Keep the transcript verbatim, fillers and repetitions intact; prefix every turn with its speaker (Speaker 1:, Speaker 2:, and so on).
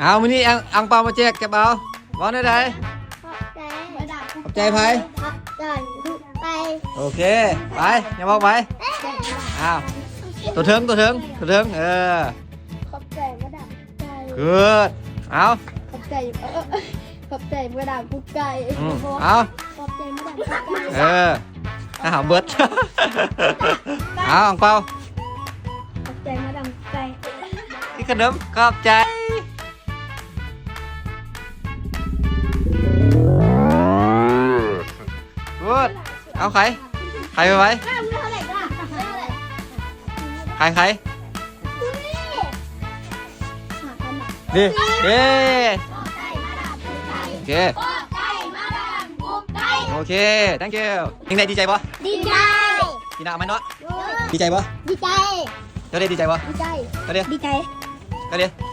Speaker 1: เอามื้อนี้อังอังเปามาแจกแกเบาบ่ได้ไดขอบใจไผ
Speaker 2: ขอบใจไป
Speaker 1: โอเคไปอย่าบอกไปอ้าวตัวเถิงตัวเถิงตัวเถิงเออ
Speaker 2: ขอบใจมาดับใจ
Speaker 1: เกิดเอา
Speaker 2: ขอบใจเออขอบใจมาดับกุ๊กไก่
Speaker 1: อืมเอา
Speaker 2: ขอบใจมาดับกุ๊กไก่
Speaker 1: เอออาหารเบิดเอาอังเปา
Speaker 2: ขอบใจมาดับกุ๊กไก่
Speaker 1: ที่ขนมขอบใจกูดเอาใครใครไปไว้
Speaker 2: ข้ามเท่าไหร่ก็ได้เท่าไหร่
Speaker 1: ใครใคร
Speaker 2: หาพันหนัก
Speaker 1: ดิเด้
Speaker 2: ขอบใจมาดับกุ๊กไก่
Speaker 1: โอเค
Speaker 2: ขอบใจมาดับกุ๊กไก่
Speaker 1: โอเค thank you ยังไงดีใจปะ
Speaker 2: ดีใจ
Speaker 1: ดีนะเอาไหมเนาะดีใจปะ
Speaker 2: ดีใจ
Speaker 1: เดี๋ยวเดี๋ยวดีใจปะ
Speaker 2: ดีใจ
Speaker 1: เดี๋ยวเดี๋ยว
Speaker 2: ดีใจ
Speaker 1: เดี๋ยวเดี๋ยว